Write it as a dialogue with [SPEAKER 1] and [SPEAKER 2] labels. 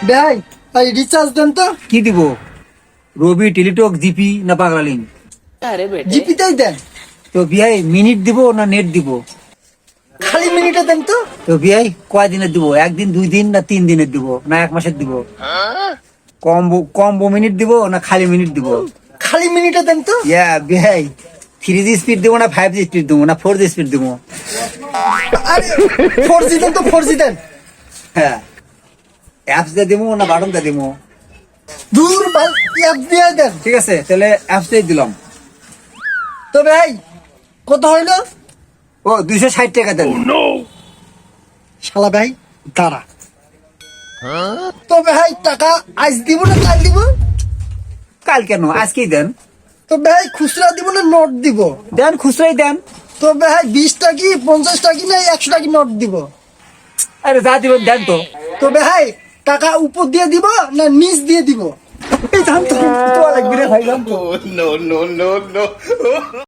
[SPEAKER 1] ভাই ভাই রিচার্জ দেন তো।
[SPEAKER 2] কি দিব? রবি, টেলিটক, জিপি না পাগলা লিঙ্ক?
[SPEAKER 1] জিপিতেই দেন।
[SPEAKER 2] তো বিয়াই মিনিট দিব না নেট দিব?
[SPEAKER 1] খালি মিনিটে দেন তো।
[SPEAKER 2] তো বিয়াই কয় দিনের দিব? একদিন, 2 দিন না 3 দিনের দিব না 1 মাসের দিব? কম্বো মিনিট দিব না খালি মিনিট দিব?
[SPEAKER 1] খালি মিনিটে দেন তো।
[SPEAKER 2] ইয়া বিয়াই 3G স্পিড দিব না 5G স্পিড দিব না 4G স্পিড দিব?
[SPEAKER 1] আরে 4G দেন তো, 4G দেন।
[SPEAKER 2] হ্যাঁ, অ্যাপস দিয়ে দিব না বাটন দিয়ে দিব?
[SPEAKER 1] দূর ভাই অ্যাপ দিয়ে দেন।
[SPEAKER 2] ঠিক আছে, তাহলে অ্যাপস দিয়ে দিলাম।
[SPEAKER 1] তো ভাই কত হইলো?
[SPEAKER 2] ও 260 টাকা দেন।
[SPEAKER 1] শালা ভাই দাঁড়া। তো ভাই টাকা আজ দিব না কাল দিব?
[SPEAKER 2] কাল কেন, আজকেই দেন।
[SPEAKER 1] তো ভাই খুচরা দিব না নোট দিব?
[SPEAKER 2] দেন, খুচরাই দেন।
[SPEAKER 1] তো ভাই 20 টাকি 50 টাকি না 100 টাকি নোট দিব?
[SPEAKER 2] আরে যা দিবেন দেন তো।
[SPEAKER 1] তো ভাই টাকা উপর দিয়ে দিব না নিচ দিয়ে দিব?
[SPEAKER 2] এই জান তো লাগবে রে ভাই, জান তো।
[SPEAKER 3] No, no, no, no.